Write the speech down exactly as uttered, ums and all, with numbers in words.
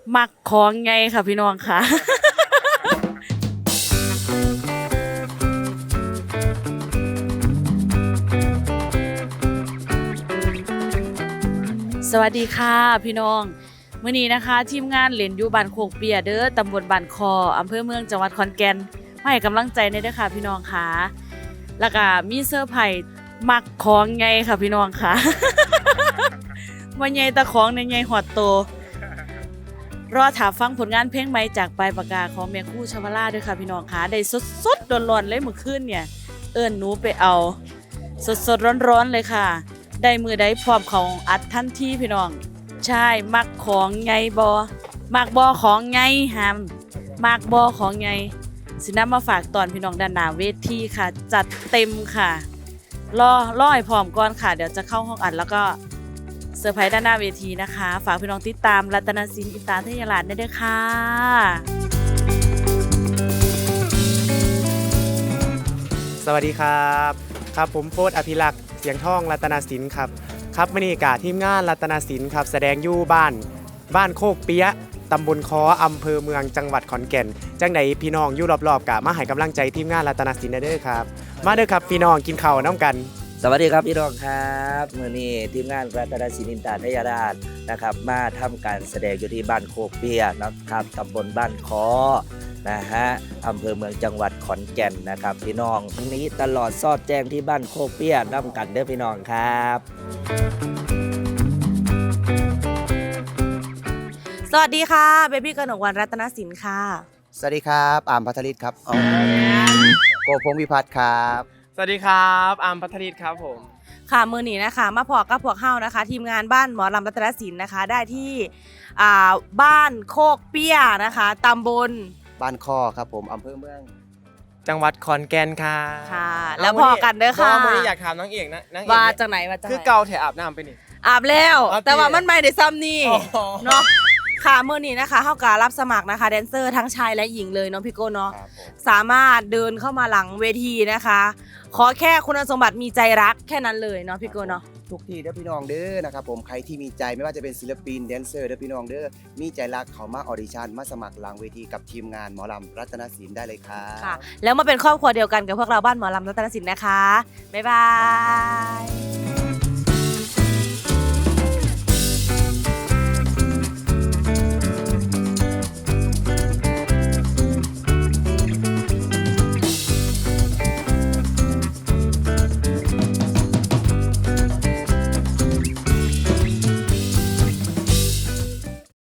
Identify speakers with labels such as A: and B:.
A: มักของไงค่ะพี่น้องค่ะ สวัสดีค่ะพี่น้องมื้อนี้นะคะทีมงานเล่นอยู่บ้านโคกเปียเด้อตำบลบ้านคออำเภอเมืองจังหวัดขอนแก่นมาให้กำลังใจในเด้อค่ะพี่น้องค่ะแล้วก็มีเซอร์ไพรส์มักของไงค่ะพี่น้องค่ะ ว่าใหญ่ตะของในใหญ่หอดโตรอถาฟังผลงานเพลงใหม่จากปลายปากกาของแม่ครู่ชวราด้วยค่ะพี่น้องค่ะได้สดๆร้อนๆเลยเมื่อคืนเนี่ยเอิ้นหนูไปเอาสดๆร้อนๆเลยค่ะได้มือได้พร้อมของอัดทันทีพี่น้องใช่มักของไงบอมักบอของไงหามมักบอของไงสินำมาฝากตอนพี่น้องด้านหน้าเวทีค่ะจัดเต็มค่ะรอรอให้พร้อมก่อนค่ะเดี๋ยวจะเข้าห้องอัดแล้วก็เซอร์ไพรส์ด้านหน้าเวทีนะคะฝากพี่น้องติดตามรัตนศิลป์อินตาเทยราชได้ด้วยค่ะ
B: สวัสดีครับครับผมโฟร์อภิรักษ์เสียงทองรัตนศิลป์ครับครับมื้อนี้กะทีมงานรัตนศิลป์ครับแสดงอยู่บ้านบ้านโคกเปียะตำบลคออำเภอเมืองจังหวัดขอนแก่นจังไหนพี่น้องอยู่รอบๆกะมาให้กำลังใจทีมงานรัตนศิลป์เด้อครับมาเด้อครับพี่น้องกินข้าวน้ำกัน
C: สวัสดีครับพี่น้องครับมื้อนี้ทีมงานรัตนศิลป์อินตาทยราชนะครับมาทำการแสดงอยู่ที่บ้านโคกเปียนะครับตำบลบ้านคอนะฮะอำเภอเมืองจังหวัดขอนแก่นนะครับพี่น้องทั้งนี้ตลอดซอดแจ้งที่บ้านโคกเปียน้ำกันเด้อพี่น้องครับ
A: สวัสดีค่ะเบบี้กนกวรรณรัตนศิลป์ค่ะ
D: สวัสดีครับอามพัทริศครับโกพงศ์วิพัฒน์ครับ
B: สวัสดีครับอามพัทริศครับผม
A: ค่ะมือนี้นะคะมาพอกับพวกเฮานะคะ ทีมงานบ้านหมอลำรัตนศิลป์นะคะ ได้ที่อ่าบ้านโคกเปี้ยนะคะตำบล
D: บ้านคอครับผมอำเภอเมือง
B: จังหวัดขอนแก่นค่ะ
A: ค่ะ แล้วพอกันเด้อค่ะ
B: วันนี้อยากถามน้องเอกนะน้องเอก
A: ว่าจากไหนมาจากไหน
B: คือเกาแถอาบน้ำไปนี่
A: อาบแล้ว
B: อาบ
A: แต่ว่า
B: ที่
A: มันไม่ได้ซ้ำนี่
B: อ๋อ
A: เนาะค่ะมือนี้นะคะเฮาก็รับสมัครนะคะแดนเซอร์ทั้งชายและหญิงเลยเนาะพี่โก้เนาะ
D: ครับผม
A: สามารถเดินเข้ามาหลังเวทีนะคะ ขอแค่คุณสมบัติมีใจรักแค่นั้นเลยเนาะพี่โก้เนาะ
D: ทุกที่เด้อพี่น้องเด้อนะครับผมใครที่มีใจไม่ว่าจะเป็นศิลปินแดนเซอร์เด้อพี่น้องเด้อมีใจรักเขามาออดิชั่นมาสมัครหลังเวทีกับทีมงานหมอลำรัตนศิลป์ได้เลยครับ
A: ค่ะแล้วมาเป็นครอบครัวเดียวกันกับพวกเราบ้านหมอลำรัตนศิลป์นะคะ บ๊ายบาย